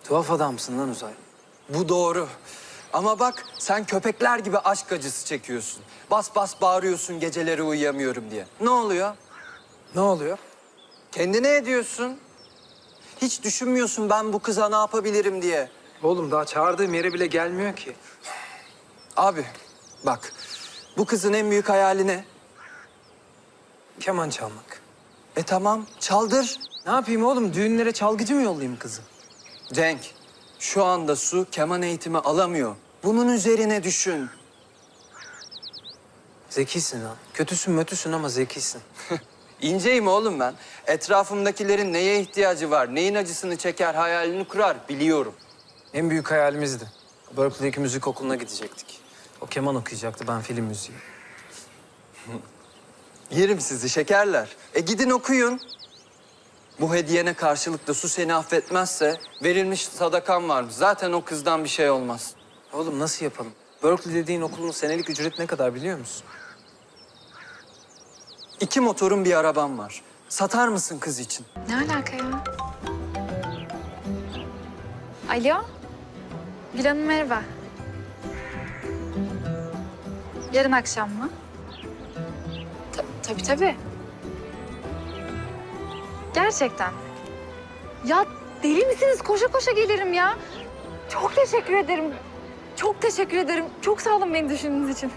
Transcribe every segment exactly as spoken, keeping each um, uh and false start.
Tuhaf adamsın lan Uzay. Bu doğru. Ama bak sen köpekler gibi aşk acısı çekiyorsun. Bas bas bağırıyorsun geceleri uyuyamıyorum diye. Ne oluyor? Ne oluyor? Kendine ediyorsun. Hiç düşünmüyorsun ben bu kıza ne yapabilirim diye. Oğlum daha çağırdığım yere bile gelmiyor ki. Abi bak bu kızın en büyük hayali ne? Keman çalmak. E tamam çaldır. Ne yapayım oğlum? Düğünlere çalgıcı mı yollayayım kızı? Cenk şu anda Su keman eğitimi alamıyor. Bunun üzerine düşün. Zekisin lan. Kötüsün mötüsün ama zekisin. İnceyim oğlum ben. Etrafımdakilerin neye ihtiyacı var, neyin acısını çeker hayalini kurar biliyorum. En büyük hayalimizdi. Berkeley'deki müzik okuluna gidecektik. O keman okuyacaktı, ben film müziği. Yerim sizi şekerler. E gidin okuyun. Bu hediyene karşılık da Su seni affetmezse verilmiş sadakan varmış. Zaten o kızdan bir şey olmaz. Oğlum nasıl yapalım? Berkeley dediğin okulun senelik ücreti ne kadar biliyor musun? İki motorun bir arabam var. Satar mısın kız için? Ne alaka ya? Alo? Gül Hanım merhaba. Yarın akşam mı? Ta tabii tabii. Gerçekten. Ya deli misiniz? Koşa koşa gelirim ya. Çok teşekkür ederim. Çok teşekkür ederim. Çok sağ olun beni düşündüğünüz için.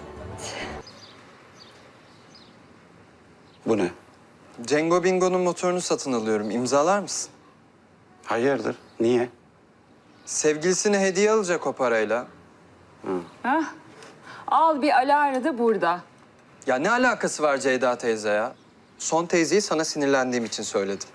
Bu ne? Cengo Bingo'nun motorunu satın alıyorum. İmzalar mısın? Hayırdır? Niye? Sevgilisine hediye alacak o parayla. Hah. Al bir Alara da burada. Ya ne alakası var Ceyda teyze ya? Son teyzeyi sana sinirlendiğim için söyledim.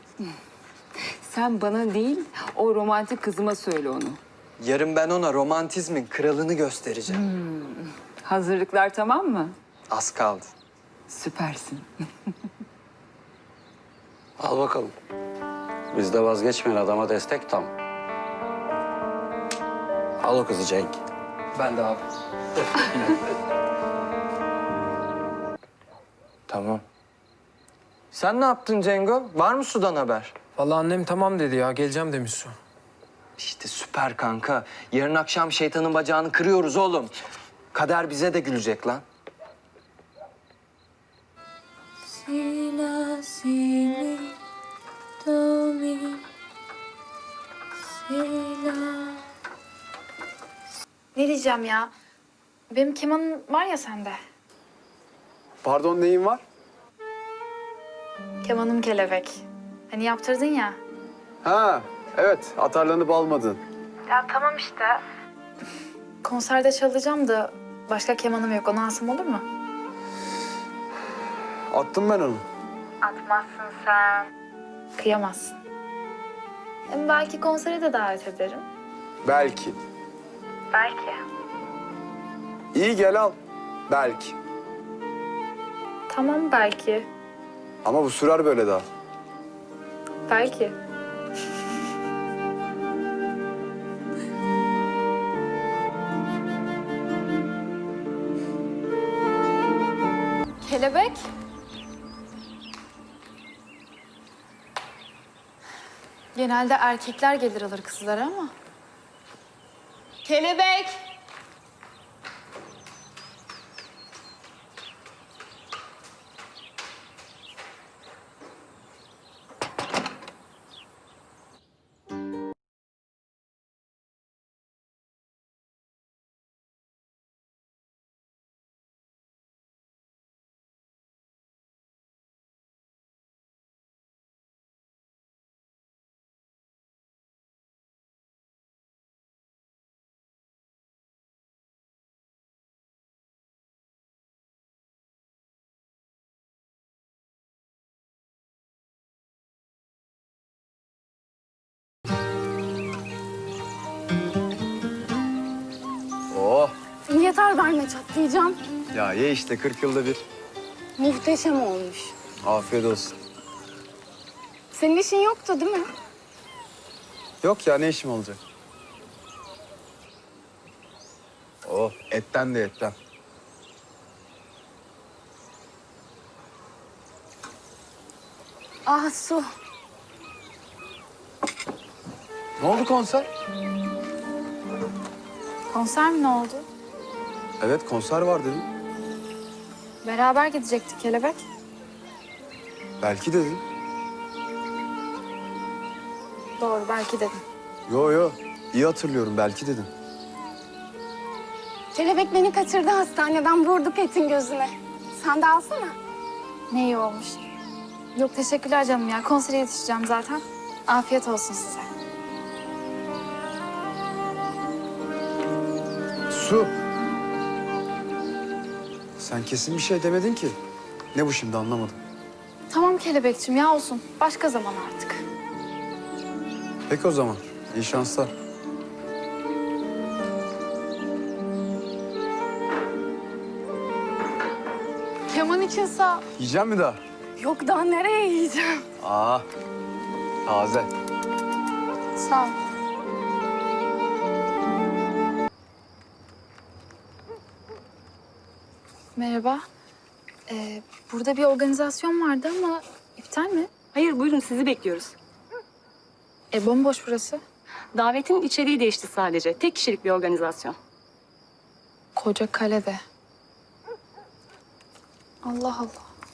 Sen bana değil, o romantik kızıma söyle onu. Yarın ben ona romantizmin kralını göstereceğim. Hazırlıklar tamam mı? Az kaldı. Süpersin. Al bakalım. Biz de vazgeçmeyen adama destek tam. Al o kızı Cenk. Ben de abi. Tamam. Sen ne yaptın Cengo? Var mı Su'dan haber? Vallahi annem tamam dedi ya, geleceğim demiş Su. İşte süper kanka. Yarın akşam şeytanın bacağını kırıyoruz oğlum. Kader bize de gülecek lan. Sila, sili, do, mi, sila. Ne diyeceğim ya? Benim kemanım var ya sende. Pardon, neyin var? Kemanım kelebek. Hani yaptırdın ya. Ha, evet. Atarlanıp almadın. Ya tamam işte. Konserde çalacağım da başka kemanım yok. Onu alsam olur mu? Attım ben onu. Atmazsın sen. Kıyamazsın. Hem belki konsere de davet ederim. Belki. Belki. İyi gel al. Belki. Tamam belki. Ama bu sürer böyle daha. Belki. Kelebek. Genelde erkekler gelir alır kızları ama. Kelebek. Oh. Yeter verme çatlayacağım. Ya ye işte kırk yılda bir. Muhteşem olmuş. Afiyet olsun. Senin işin yoktu değil mi? Yok ya, ne işim olacak? Oh, etten de etten. Ah Su. Ne oldu konser? Konser mi ne oldu? Evet konser var dedim. Beraber gidecektik Kelebek. Belki dedin. Doğru belki dedim. Yo yo. İyi hatırlıyorum belki dedin. Kelebek beni kaçırdı hastaneden, vurdu Pet'in gözüne. Sen de alsana. Ne iyi olmuş. Yok teşekkürler canım ya. Konsere yetişeceğim zaten. Afiyet olsun size. Su. Sen kesin bir şey demedin ki. Ne bu şimdi anlamadım. Tamam Kelebekçim ya olsun. Başka zaman artık. Peki o zaman. İyi şanslar. Keman için sağ. Yiyeceğim mi daha? Yok daha nereye yiyeceğim? Aa. Taze. Sağ ol. Merhaba. Ee, burada bir organizasyon vardı ama iptal mi? Hayır buyurun sizi bekliyoruz. E bomboş burası. Davetin içeriği değişti sadece. Tek kişilik bir organizasyon. Koca kalede. Allah Allah.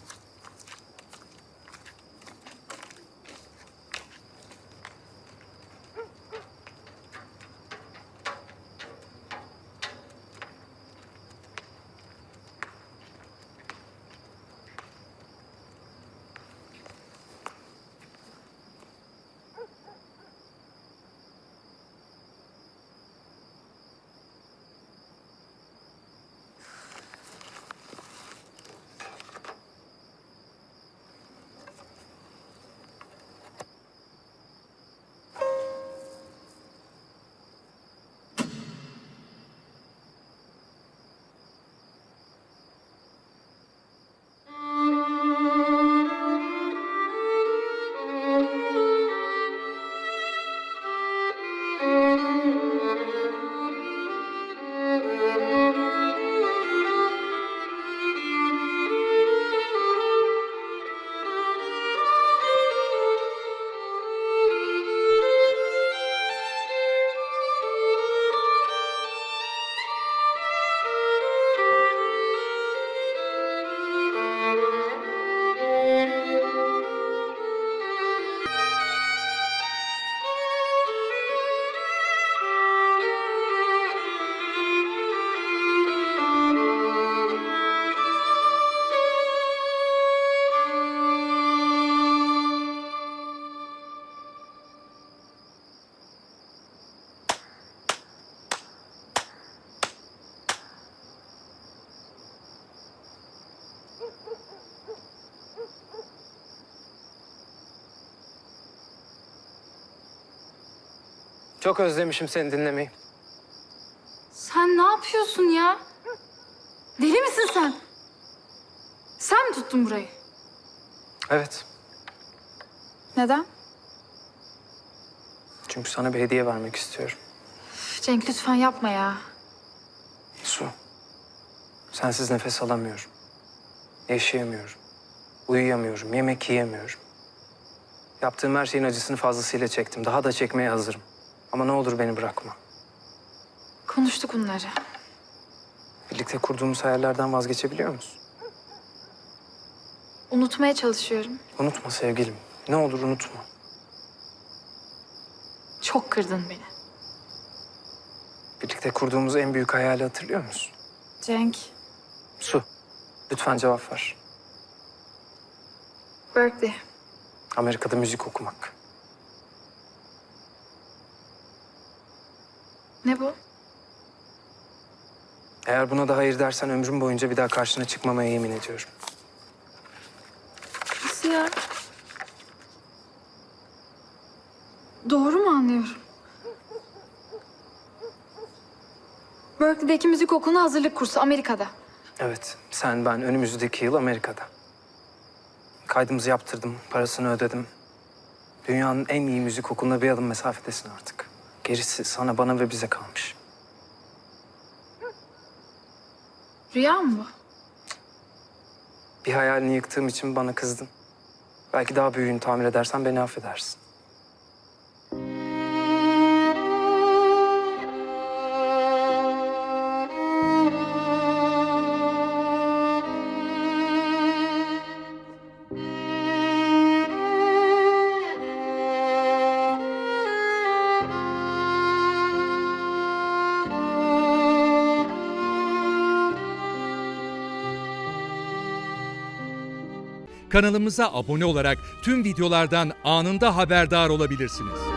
Çok özlemişim seni dinlemeyi. Sen ne yapıyorsun ya? Deli misin sen? Sen mi tuttun burayı? Evet. Neden? Çünkü sana bir hediye vermek istiyorum. Üf, Cenk lütfen yapma ya. Su. Sensiz nefes alamıyorum. Yaşayamıyorum. Uyuyamıyorum. Yemek yiyemiyorum. Yaptığım her şeyin acısını fazlasıyla çektim. Daha da çekmeye hazırım. Ama ne olur beni bırakma. Konuştuk bunları. Birlikte kurduğumuz hayallerden vazgeçebiliyor musun? Unutmaya çalışıyorum. Unutma sevgilim. Ne olur unutma. Çok kırdın beni. Birlikte kurduğumuz en büyük hayali hatırlıyor musun? Cenk, Su. Lütfen cevap ver. Berkeley. Amerika'da müzik okumak. Ne bu? Eğer buna da hayır dersen ömrüm boyunca bir daha karşına çıkmamaya yemin ediyorum. Nasıl ya? Doğru mu anlıyorum? Berkeley'deki müzik okuluna hazırlık kursu Amerika'da. Evet, sen ben önümüzdeki yıl Amerika'da. Kaydımızı yaptırdım, parasını ödedim. Dünyanın en iyi müzik okuluna bir adım mesafedesin artık. Gerisi sana, bana ve bize kalmış. Rüya mı bu? Bir hayalini yıktığım için bana kızdın. Belki daha büyüğünü tamir edersen beni affedersin. Kanalımıza abone olarak tüm videolardan anında haberdar olabilirsiniz.